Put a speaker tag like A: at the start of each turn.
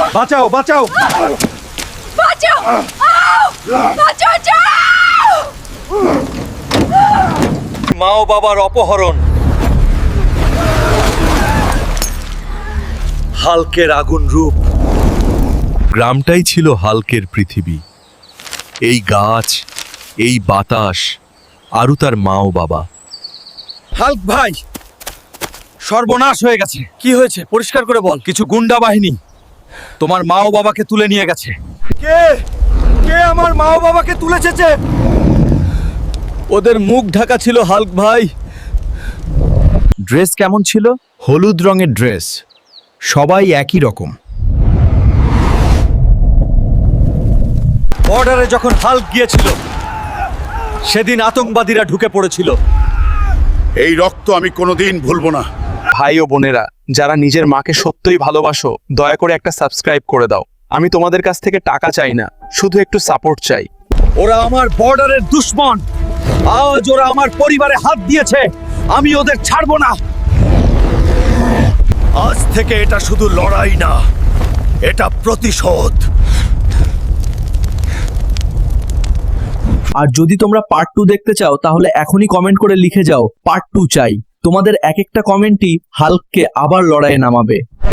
A: বাঁচাও বাঁচাও
B: বাঁচাও বাঁচাও
A: মা ও বাবার অপহরণ, হাল্কের আগুন রূপ। গ্রামটাই ছিল হাল্কের পৃথিবী। এই গাছ, এই বাতাস, আরও তার মা ও বাবা। হাল্ক ভাই, সর্বনাশ হয়ে গেছে। কি হয়েছে পরিষ্কার করে বল। কিছু গুন্ডা বাহিনী তোমার মা ও বাবাকে তুলে নিয়ে গেছে। কে কে আমার মা ও বাবাকে তুলেছে? ওদের মুখ ঢাকা ছিল হাল্ক ভাই। ড্রেস কেমন ছিল?
C: হলুদ রঙের ড্রেস, সবাই একই রকম।
A: বর্ডারে যখন হাল্ক গিয়েছিল সেদিন আতঙ্কবাদীরা ঢুকে পড়েছিল।
D: এই রক্ত আমি কোনোদিন ভুলবো না।
E: ভাই ও বোনেরা, যারা নিজের মাকে সত্যিই ভালোবাসো, দয়া করে একটা সাবস্ক্রাইব করে দাও। আমি তোমাদের কাছ থেকে টাকা চাই না, শুধু একটু সাপোর্ট চাই।
A: ওরা আমার বর্ডারের দুশমন। আজ ওরা আমার পরিবারে হাত দিয়েছে, আমি ওদের ছাড়বো না। আজ থেকে এটা শুধু লড়াই না, এটা প্রতিশোধ।
F: আর যদি তোমরা পার্ট 2 দেখতে চাও তাহলে এখনই কমেন্ট করে লিখে যাও পার্ট 2 চাই। তোমাদের এক একটা কমেন্টই হাল্ককে আবার লড়াইয়ে নামাবে।